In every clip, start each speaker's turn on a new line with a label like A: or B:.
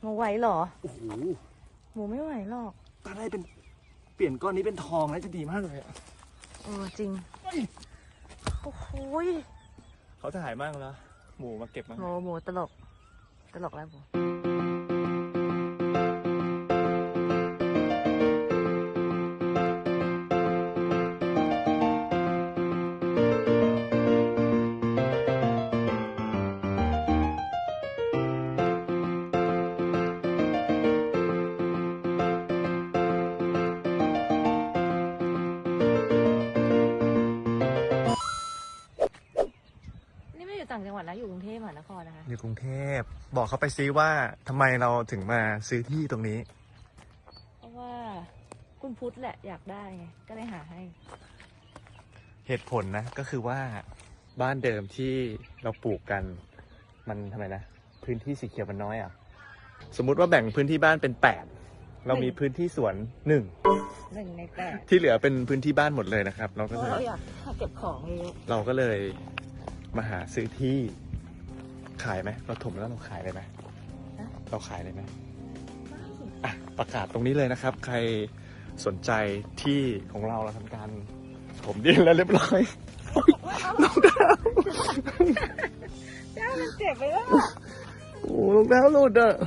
A: หมูไหวเหรอ
B: โอ้โห
A: หมูไม่ไหวหรอก
B: ถ้าได้เป็นเปลี่ยนก้อนนี้เป็นทองนะจะดีมากเลยอะ
A: จริงโอ้โห
B: เขาถ่ายมากแล้วหมูมาเก็บมา
A: หมูตลกแล้วหมูต่างจังหวัดนะอยู่กรุงเทพมหานครนะคะ
B: อยู่กรุงเทพบอกเขาไปซิว่าทำไมเราถึงมาซื้อที่ตรงนี้
A: เพราะว่าคุณพุทธแหละอยากได้ไงก็เลยหาให้
B: เหตุผลนะก็คือว่าบ้านเดิมที่เราปลูกกันมันทำไมนะพื้นที่สีเขียวมันน้อยอ่ะสมมุติว่าแบ่งพื้นที่บ้านเป็น8เรามีพื้นที่สวน
A: 1 ใน 8
B: ที่เหลือเป็นพื้นที่บ้านหมดเลยนะครับเราก็
A: เพ
B: เล
A: ราะ
B: ย
A: เราอยากเก็บของเยอะ
B: เราก็เลยมาหาซื้อที่ขายไหมเราถมแล้วเราขายเลยไหมเราขายเลยไหมอ่ะประกาศตรงนี้เลยนะครับ ใครสนใจที่ของเราทำการถมดินแล้วเรียบร้อยรองเท้า
A: เจ้ามันเจ็บไปแล้ว
B: โอ้รองเท้าหลุดอ่ะ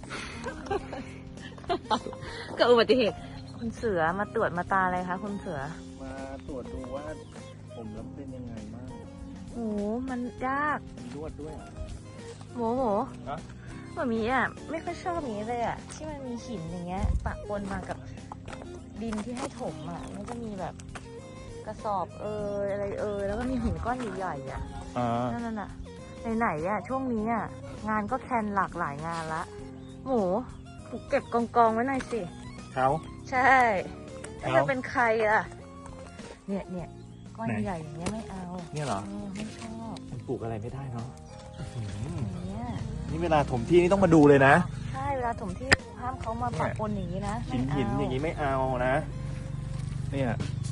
A: เกิดอุบัติเหตุคุณเสือมาตรวจมาตาอะไรคะคุณเสือ
B: มาตรวจดูว่าผมแล้วเป็นยังไงบ้าง
A: โอ้มันยาก
B: นวดด้วยอ่ะ
A: หมู
B: ฮะ
A: แบบนี้อ่ะไม่ค่อยชอบอย่างนี้เลยอ่ะที่มันมีหินอย่างเงี้ยปะปนมากับดินที่ให้ถมอ่ะมันจะมีแบบกระสอบอะไรแล้วก็มีหินก้อนใหญ่ๆอ่ะนั่นน่ะไหนๆอ่ะช่วงนี้อ่ะงานก็แคนหลากหลายงานละหมูเก็บกองไว้หน่อยสิ
B: เขา
A: ใช่แล้วจะเป็นใครอ่ะเนี่ยก้อนใหญ่อย่างเงี้ยไม่เอา
B: เนี่ยเหรอ
A: ไม่ชอบ
B: มันปลูกอะไรไม่ได้เนาะ
A: อย่างเงี้ย
B: นี่เวลาถมที่นี่ต้องมาดูเลยนะ
A: ใช่เวลาถมที่ห้ามเขามาปะปนอย่างนี้นะ
B: หินอย่างนี้ไม่เอานะ เนี่ย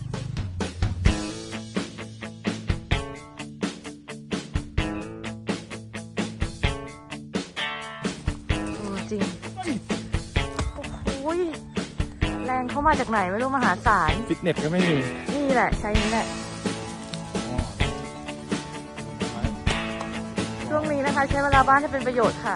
A: จริงโอ้โหแรงเขามาจากไหนไม่รู้มหาศาล
B: ฟิตเนสก็ไม่มี
A: นี่แหละใช้นี่แหละช่วงนี้นะคะใช้เวลาบ้านให้เป็นประโยชน์ค่ะ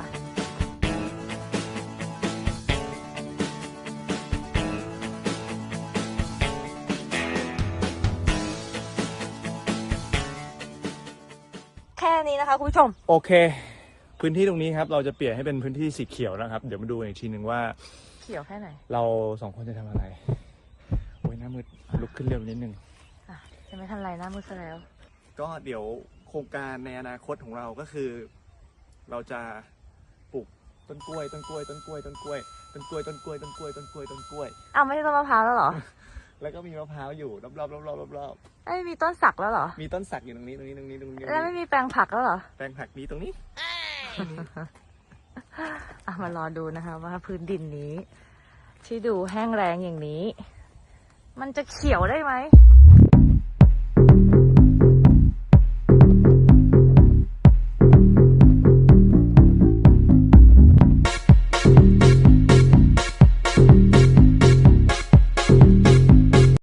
A: แค่นี้นะคะคุณผู้ชม
B: โอเค พื้นที่ตรงนี้ครับ เราจะเปลี่ยนให้เป็นพื้นที่สีเขียวนะครับ เดี๋ยวมาดูอีกทีหนึ่งว่า
A: เขียวแค่ไหน
B: เรา2 คนจะทำอะไร โอ้ยหน้ามืดลุกขึ้นเร็วนิดนึง
A: จะไม่ทันไรหน้ามืดซะแล้ว
B: ก็เดี๋ยวโครงการในอนาคตของเราก็คือ เราจะปลูกต้นกล้วย
A: อ้าวไม่ใช่ต้นมะพร้าวแล้วเหรอ
B: แล้วก็มีมะพร้าวอยู่รอบ
A: ไม่มีต้นสักแล้วเหรอ
B: ๆมีต้นสักอยู่ตรงนี้
A: แล้วไม่มีแปลงผักแล้วเหรอ
B: แปลงผักนี้ตรงนี้
A: มารอดูนะคะว่าพื้นดินนี้ ที่ดูแห้งแรงอย่างนี้ มันจะเขียวได้ไหม